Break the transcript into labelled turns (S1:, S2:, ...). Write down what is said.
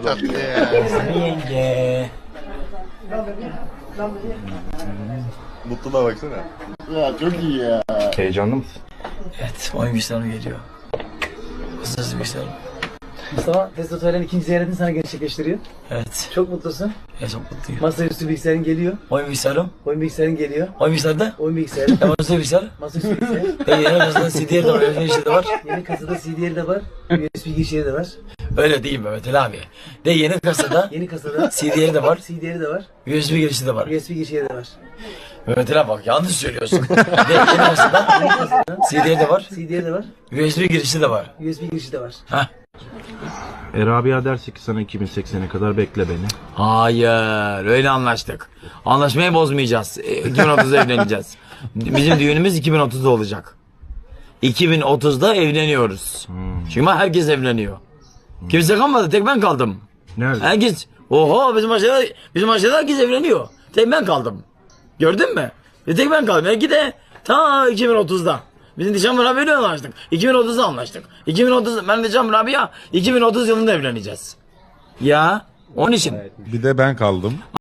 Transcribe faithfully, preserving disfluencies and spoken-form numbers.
S1: çok tatlı ya.
S2: Yenge.
S1: Mutluluğa baksana.
S3: Ya çok iyi ya.
S4: Heyecanlı mısın?
S2: Evet, oyun bilgisayarı geliyor. Hızlı bilgisayarı.
S5: Mustafa testosteron ikinci ziyaretini sana gerçekleştiriyor.
S2: Evet.
S5: Çok mutlusun.
S2: Ya çok mutluyum.
S5: Masaüstü bilgisayarın geliyor.
S2: Oyun bilgisayarım.
S5: Oyun bilgisayarın geliyor.
S2: Oyun bilgisayarda.
S5: Oyun bilgisayarı.
S2: Ya masaüstü bilgisayar.
S5: Masaüstü bilgisayar.
S2: Ya yeni kasada C D'leri de var, öyle işte de var.
S5: Yeni kasada C D'leri de var. U S B girişleri de var.
S2: Öyle değil Mehmet Ali abi. De yeni kasada
S5: Yeni kasada
S2: C D'leri de var,
S5: C D'leri de var.
S2: U S B girişi de var.
S5: U S B girişleri de var.
S2: Mehmet Ali abi bak yanlış söylüyorsun. De yeni kasada C D'leri de var,
S5: C D'leri de var.
S2: U S B girişi de var.
S5: U S B girişi de var.
S2: Heh.
S4: E Rabia derse ki sana iki bin seksene kadar bekle beni.
S2: Hayır, öyle anlaştık. Anlaşmayı bozmayacağız. E, iki bin otuzda evleneceğiz. Bizim düğünümüz iki bin otuzda olacak. iki bin otuzda evleniyoruz.
S4: Hmm.
S2: Çünkü herkes evleniyor. Kimse kalmadı, tek ben kaldım.
S4: Nerede?
S2: Herkes, oho bizim aşağıda, bizim aşağıda herkes evleniyor. Tek ben kaldım. Gördün mü? Bir tek ben kaldım. Belki de ta iki bin otuzda. Bizim Nişan Rabia'yla anlaştık. iki bin otuzda anlaştık. iki bin otuz, ben Nişan Rabia iki bin otuz yılında evleneceğiz. Ya, onun için.
S6: Bir de ben kaldım.